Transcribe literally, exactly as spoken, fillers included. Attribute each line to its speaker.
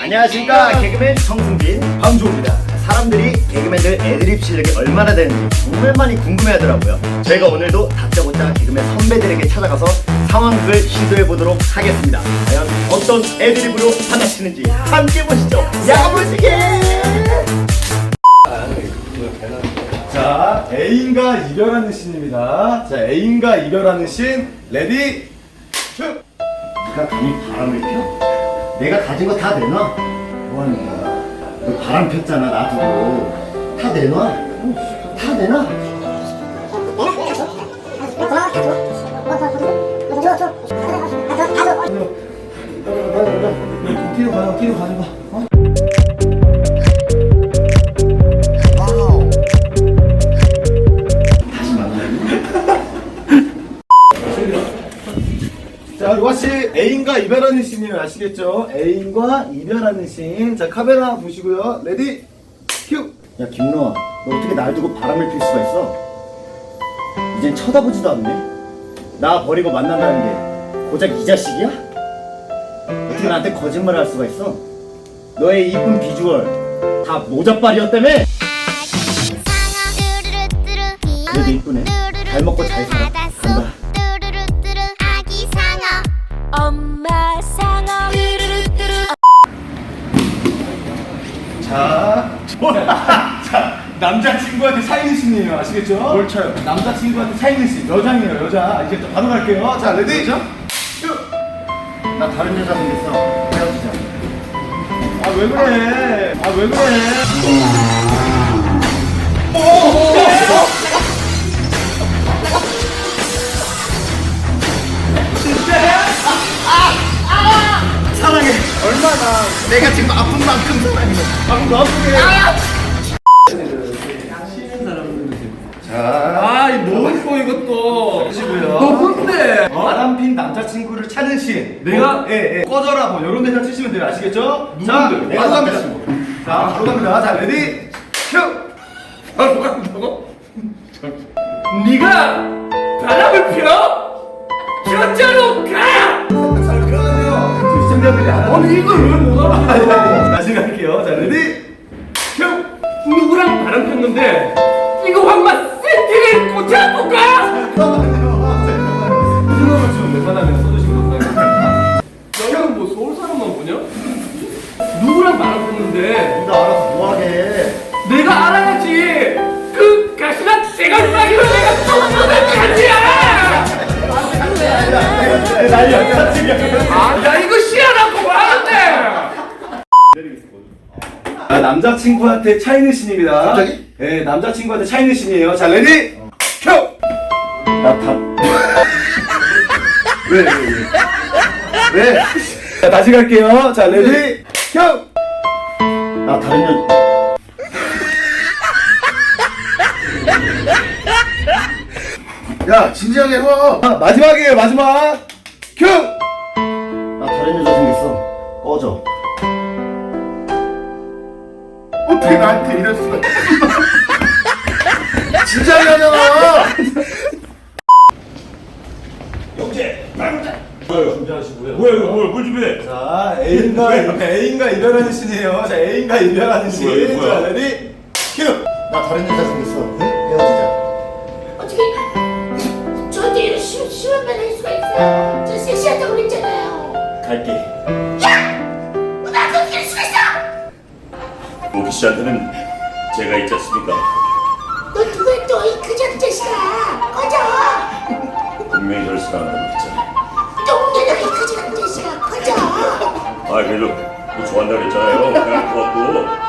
Speaker 1: 안녕하십니까, 개그맨 정승진 방주호입니다. 사람들이 개그맨들 애드립 실력이 얼마나 되는지 정말 많이 궁금해하더라고요. 저희가 오늘도 다짜고짜 개그맨 선배들에게 찾아가서 상황극을 시도해보도록 하겠습니다. 과연 어떤 애드립으로 받아치는지 함께 보시죠. 야무지게!
Speaker 2: 자, 애인과 이별하는 씬입니다. 자, 애인과 이별하는 씬 레디 큐!
Speaker 1: 네가 감히 바람을 펴? 내가 가진 거 다 내놔. 뭐하는 거야? 너 바람 폈잖아, 놔두고. 다 내놔. 다 내놔.
Speaker 2: 뒤로 가요, 뒤로 가는 거. 어?
Speaker 1: 다시 만나요.
Speaker 2: 자, 이것이 애인과 이별하는 씬이에요. 아시겠죠? 애인과 이별하는 씬. 자, 카메라 보시고요. 레디 큐!
Speaker 1: 야, 김노아, 너 어떻게 날 두고 바람을 필 수가 있어? 이젠 쳐다보지도 않네. 나 버리고 만난다는 게 고작 이 자식이야? 어떻게 나한테 거짓말을 할 수가 있어? 너의 이쁜 비주얼 다 모자빨이었다며? 그래도 이쁘네. 잘 먹고 잘 살아. 간다.
Speaker 3: 엄마 상어
Speaker 2: 자, 자, 남자친구한테 차이는 씬이에요. 아시겠죠?
Speaker 1: 뭘 쳐요?
Speaker 2: 남자친구한테 차이는 씬. 여장이에요, 여자. 이제 또 바로 갈게요. 자, 레디 큐!
Speaker 1: 나 다른 여자 생겼어. 헤어지자.
Speaker 2: 아, 왜 그래? 아, 왜 그래?
Speaker 1: 사랑해. 얼마나 내가 지금 아픈 만큼 사랑해.
Speaker 2: 방금 더 아프게. 아, 이 뭐고 이것도. 보시고요.
Speaker 4: 너 뭔데?
Speaker 2: 바람핀 남자친구를 찾는 씬.
Speaker 4: 내가?
Speaker 2: 예, 예. 꺼져라, 뭐, 요런 데서 치시면 돼요. 아시겠죠? 자,
Speaker 4: 누군데?
Speaker 2: 바로 갑니다. 자, 바로 갑니다. 자, 레디, 큐!
Speaker 4: 바로 간다고? 네가 바람을 피워? 저자로 가!
Speaker 2: 잠깐만요. 시청자들이 안 하는.
Speaker 4: 아니 이걸 왜 못 알아?
Speaker 2: 아니, 아니, 다시 갈게요. 자, 레디, 큐!
Speaker 4: 누구랑 바람 폈는데 이거 황마 세팅을 꽂아볼까?
Speaker 2: 잠깐만요. 잠깐만요. 무슨 음을 지금 웬만하면 써주시면 감사합니다.
Speaker 4: 너는 뭐 서울 사람만 보냐? 누구랑 바람 폈는데
Speaker 1: 네가 알아서 뭐하게.
Speaker 4: 내가 알아야지. 그 가시나 대가리라기로 내가 쫓아낼 간지야.
Speaker 2: 난리야, 깜짝이야.
Speaker 4: 아, 야 이거 시야라고 말하는데.
Speaker 2: 아, 남자친구한테 차이는 씬입니다.
Speaker 1: 갑자기?
Speaker 2: 네, 남자친구한테 차이는 씬이에요. 자, 레디, 큐!
Speaker 1: 나 다.
Speaker 2: 왜, 왜, 왜? 왜? 자, 다시 갈게요. 자, 레디, 큐!
Speaker 1: 나 다른 여. 야, 진지하게 해봐.
Speaker 2: 아, 마지막이에요, 마지막. 큐!
Speaker 1: 나 다른 여자 생겼어. 꺼져. 어떻게 나한테 이럴 수가 있어? 진지하게 하잖아.
Speaker 2: 영재, 말보자. 준비하시고요.
Speaker 4: 뭐야 이거 뭘, 뭘 준비해?
Speaker 2: 자, 애인과, 애인과 이별하는 씬이에요. 자, 애인과 이별하는 씬.
Speaker 4: 뭐야, 이거 뭐야?
Speaker 2: 자, 레디, 큐!
Speaker 1: 나 다른 여자 생겼어. 헤어지자.
Speaker 5: 어떻게 저한테 이런 심, 심한 말 할 수가 있어요? 저 섹시하다고 그랬잖아요.
Speaker 1: 갈게.
Speaker 5: 뭐 나한테 어떻게 할 수가 있어?
Speaker 6: 모기 씨한테는 제가 있지 않습니까?
Speaker 5: 너 누구야 또 이 그저 자식아. 꺼져.
Speaker 6: 분명히 저를 사랑한다고 했잖아요.
Speaker 5: 똥내나 이 그저 자식아. 꺼져.
Speaker 6: 아, 그래도 뭐 좋아한다고 그랬잖아요. 그럴 것 같고.